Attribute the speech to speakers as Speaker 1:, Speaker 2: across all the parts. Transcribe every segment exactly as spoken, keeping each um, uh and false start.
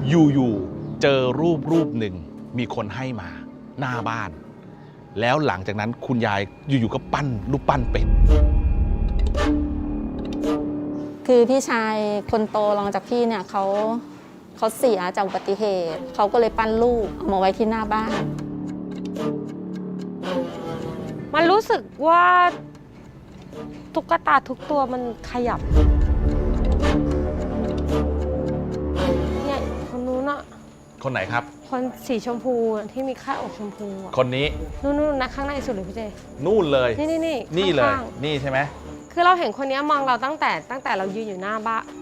Speaker 1: อยู่ๆเจอรูปรูปหนึ่งมีคนให้มาหน้าบ้านแล้วหลังจากนั้นคุณยายอยู่ๆก็ปั้นรูปปั้นเป็ด
Speaker 2: คือพี่ชายคนโตรองจากพี่เนี่ยเขาเขาเสียจากอุบัติเหตุเขาก็เลยปั้นรูปเอามาไว้ที่หน้าบ้าน
Speaker 3: มันรู้สึกว่าตุ๊กตาทุกตัวมันขยับเนี่ยคนนู้นอะ
Speaker 1: คนไหนครับ
Speaker 3: คนสีชมพูที่มีค่าอกชมพู
Speaker 1: คนนี้
Speaker 3: นู่นๆนะข้างในสุดเลยพี่เจ
Speaker 1: นู่นเลย
Speaker 3: นี่นี่นี่
Speaker 1: นี่เลยนี่ใช่ไหม
Speaker 3: คือเราเห็นคนนี้มองเราตั้งแต่ตั้งแต่เรายืนอยู่หน้าบ้าน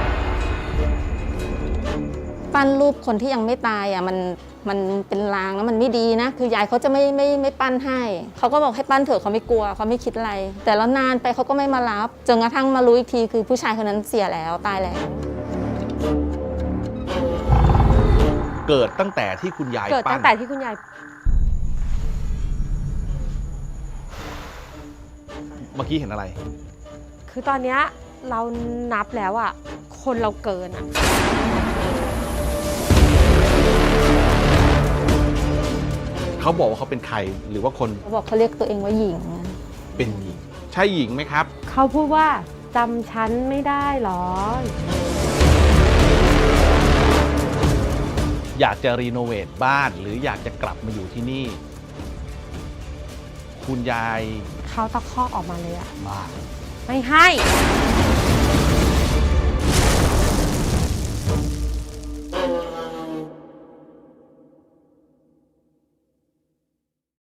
Speaker 2: ปั้นรูปคนที่ยังไม่ตายอ่ะมันมันเป็นลางแล้วมันไม่ดีนะคือยายเขาจะไม่ไม่ไม่ปั้นให้เขาก็บอกให้ปั้นเถอะเขาไม่กลัวเขาไม่คิดอะไรแต่แล้วนานไปเขาก็ไม่มารับจนกระทั่งมารู้อีกทีคือผู้ชายคนนั้นเสียแล้วตายแล้ว
Speaker 1: เกิดตั้งแต่ที่คุณยาย
Speaker 3: เกิดตั้งแต่ที่คุณยาย
Speaker 1: เมื่อกี้เห็นอะไร
Speaker 3: คือตอนนี้เรานับแล้วอ่ะคนเราเกินอ่ะ
Speaker 1: เขาบอกว่าเขาเป็นใครหรือว่าคน
Speaker 2: เขาบอกเขาเรียกตัวเองว่าหญิง
Speaker 1: เป็นหญิงใช่หญิงไหมครับ
Speaker 3: เขาพูดว่าจำฉันไม่ได้หรอ
Speaker 1: อยากจะรีโนเวทบ้านหรืออยากจะกลับมาอยู่ที่นี่คุณยาย
Speaker 3: เขาตะคอกออกมาเลยอะ
Speaker 1: มา
Speaker 3: ไม่ให้